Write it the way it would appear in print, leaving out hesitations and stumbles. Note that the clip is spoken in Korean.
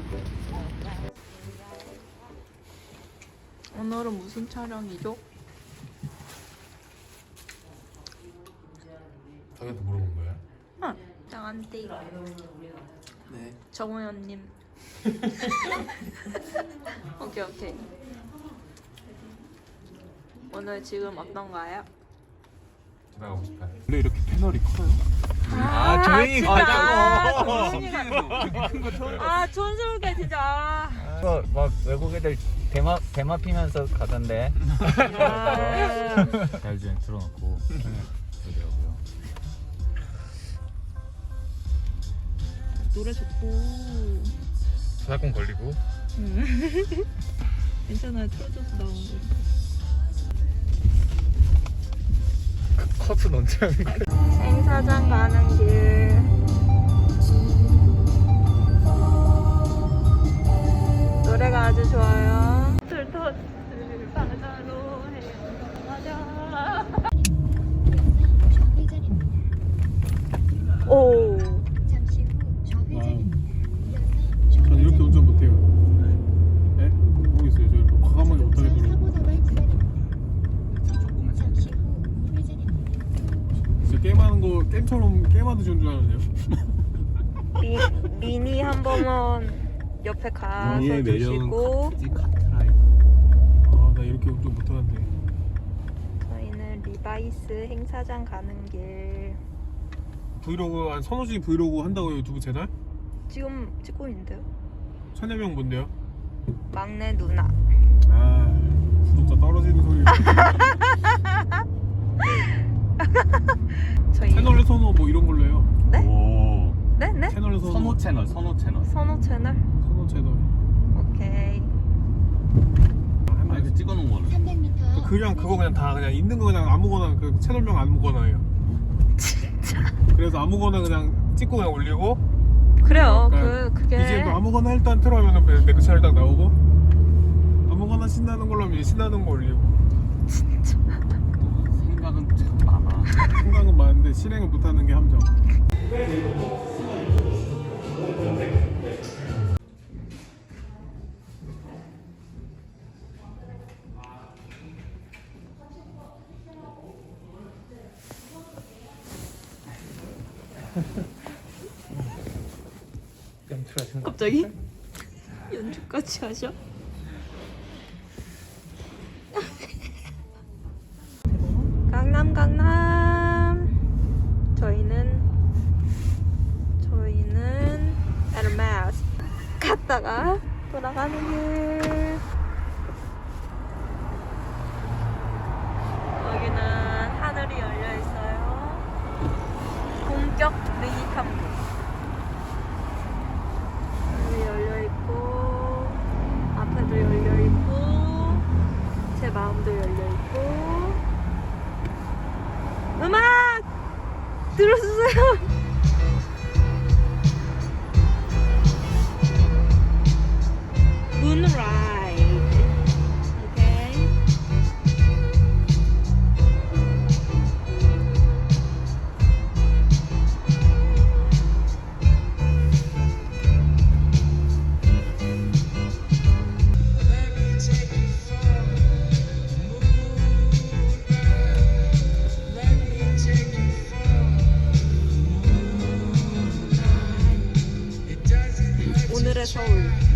오늘은 무슨 촬영이죠? 자기한테 물어본 거야? 응, 나한테. 네. 정우현님. 오케이. 오늘 지금 어떤가요? 지나가고 싶다. 원래 이렇게 패널이 커요? 조용히 가자고. 큰거 처음. 촌스럽게 진짜. 이거 막 외국 애들 대마 피면서 가던데. 자율주행 틀어놓고 그러더라고요. 노래 좋고. 저작권 걸리고. 괜찮아요. 틀어줘서 나오는 거. 컷은 언제 하는 거야? 행사장 가는 길. 노래가 아주 좋아요. turtle 바다로 헤엄하자. 오. 잠시 후 좌회전입니다. 전 이렇게 운전 못해요. 네? 모르겠어요. 저 이렇게 과감하게 못하게 들어요. 사고도발 구간입니다. 조금만 잠시 후 우회전입니다. 진짜 게임하는 거 게임하듯이 운전하네요. 미니 한 번은 옆에 가서 미니의 매력은 주시고 카트라이더. 아, 나 이렇게 운전 못하는데. 저희는 리바이스 행사장 가는 길. 브이로그 한 서너 시 브이로그 한다고요, 유튜브 채널? 지금 찍고 있는데요. 천여명 뭔데요? 막내 누나. 아, 구독자 떨어지는 소리. 저희 채널 선호 뭐 이런 걸로 해요. 오. 네네. 채널 선호 채널. 선호 채널. 선호 채널. 오케이. 아 이거 찍어놓은 거는. 300m 그냥 그거 그냥 다 그냥 있는 거 그냥 아무거나 그 채널명 아무거나 해요. 진짜. 그래서 아무거나 그냥 찍고 그냥 올리고. 그래요. 그러니까 그게 이제 뭐 아무거나 일단 틀어면은 내 그 채널 딱 나오고 아무거나 신나는 걸로 하면 이제 신나는 거 올리고. 생각은 참 많아. 생각은 많은데 실행을 못하는 게 함정. 갑자기 연주까지 하셔? 강남. 저희는 에르메스 갔다가 돌아가는 길. 여기는 하늘이 열려 있어요. 본격 미니 탐구. 여기 열려 있고, 앞에도 열려 있고, 제 마음도 열려 있고. 음악 들어주세요. Moonride. 오케이. 오늘의 서울.